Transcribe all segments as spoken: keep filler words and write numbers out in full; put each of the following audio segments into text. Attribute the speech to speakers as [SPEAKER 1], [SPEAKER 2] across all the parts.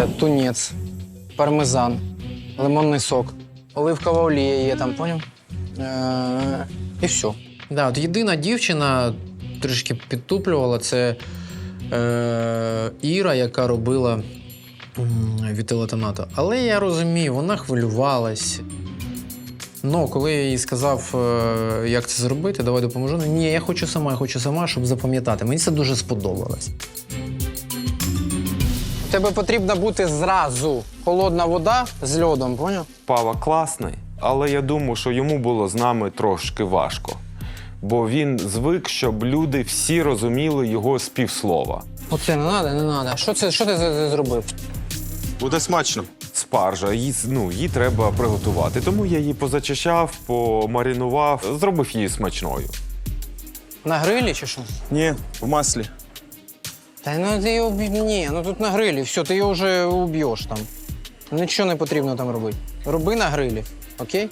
[SPEAKER 1] тунець, пармезан, лимонний сок, оливкова олія є там, поняв? Е, І все. Да, от єдина дівчина трішки підтуплювала, це е, Іра, яка робила вітилетонату. Але я розумію, вона хвилювалась. Ну, коли я їй сказав, е, як це зробити, давай допоможу. Ні, я хочу сама, я хочу сама, щоб запам'ятати. Мені це дуже сподобалось. У тебе потрібна бути зразу холодна вода з льодом, поняв?
[SPEAKER 2] Пава класний, але я думаю, що йому було з нами трошки важко. Бо він звик, щоб люди всі розуміли його з півслова.
[SPEAKER 1] Оце не треба, не треба. Що, це, що ти з- зробив?
[SPEAKER 3] Буде смачно.
[SPEAKER 2] Спаржа, її, ну, її треба приготувати. Тому я її позачищав, помаринував, зробив її смачною.
[SPEAKER 1] На грилі чи що?
[SPEAKER 3] Ні, в маслі.
[SPEAKER 1] Та ну ти його уб'єш. Ні, ну тут на грилі, все, ти його вже уб'єш там. Нічого не потрібно там робити. Роби на грилі, окей?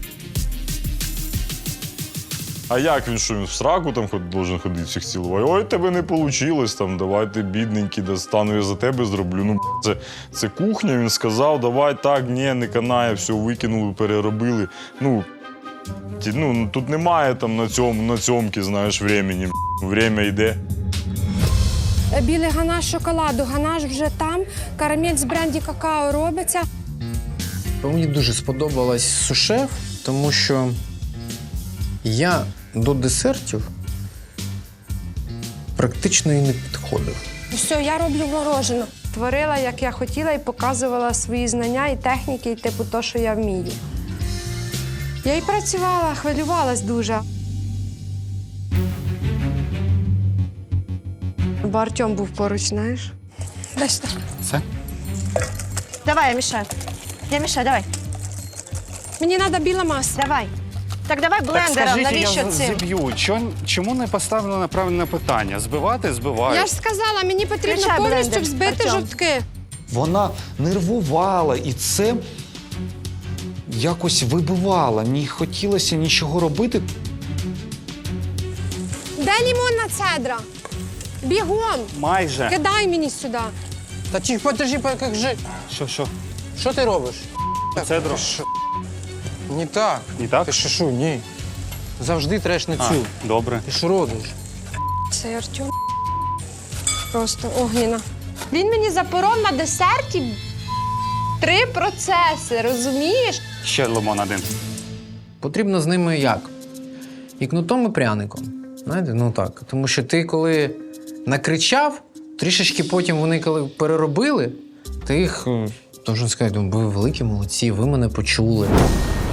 [SPEAKER 4] А як він, що він в сраку там ход, должен ходити всіх цілувати? Ой, тебе не вийшло, там, давай ти бідненький, достану, я за тебе зроблю. Ну, це, це кухня, він сказав, давай так, ні, не канає, все, викинули, переробили. Ну, ті, ну тут немає там на цьому, на цьомки, знаєш, времени. Время йде.
[SPEAKER 5] Білий ганаш шоколаду, ганаш вже там, карамель з бренді какао робиться.
[SPEAKER 1] Мені дуже сподобалась сушеф, тому що я до десертів практично і не підходив.
[SPEAKER 5] Все, я роблю морожене. Творила, як я хотіла, і показувала свої знання і техніки, і типу то, що я вмію. Я і працювала, хвилювалась дуже. Бо Артем був поруч, знаєш. Дай сюди.
[SPEAKER 1] Це?
[SPEAKER 6] Давай, я мешаю. Я мешаю, давай.
[SPEAKER 5] Мені треба біла маса.
[SPEAKER 6] Давай. Так давай
[SPEAKER 7] Так
[SPEAKER 6] блендером,
[SPEAKER 7] скажіть,
[SPEAKER 6] навіщо
[SPEAKER 7] я
[SPEAKER 6] цим?
[SPEAKER 7] зіб'ю. Чо- Чому не поставлено на правильне питання? Збивати – збивають.
[SPEAKER 5] Я ж сказала, мені потрібно
[SPEAKER 6] Включай
[SPEAKER 5] повністю
[SPEAKER 6] блендер,
[SPEAKER 5] взбити
[SPEAKER 6] Артем.
[SPEAKER 5] жовтки.
[SPEAKER 8] Вона нервувала, і це якось вибивало. Не хотілося нічого робити.
[SPEAKER 5] Де лимонна цедра? Бігом!
[SPEAKER 7] Майже.
[SPEAKER 5] Кидай мені сюди.
[SPEAKER 1] Та чи подожди, як же.
[SPEAKER 7] Що, що?
[SPEAKER 1] Що ти робиш?
[SPEAKER 7] Цедру?
[SPEAKER 1] Не так.
[SPEAKER 7] Не так?
[SPEAKER 1] Ти що, що, ні. Завжди треш на
[SPEAKER 7] А,
[SPEAKER 1] цю.
[SPEAKER 7] добре.
[SPEAKER 1] Ти що робиш?
[SPEAKER 5] Це Артем. Просто огніна.
[SPEAKER 6] Він мені запоров на десерті три процеси, розумієш?
[SPEAKER 7] Ще лимон один.
[SPEAKER 1] Потрібно з ними як? І кнутом, і пряником. Знаєте, ну так. Тому що ти коли накричав, трішечки потім вони коли переробили, ти їх, должен сказати, ви великі молодці, ви мене почули.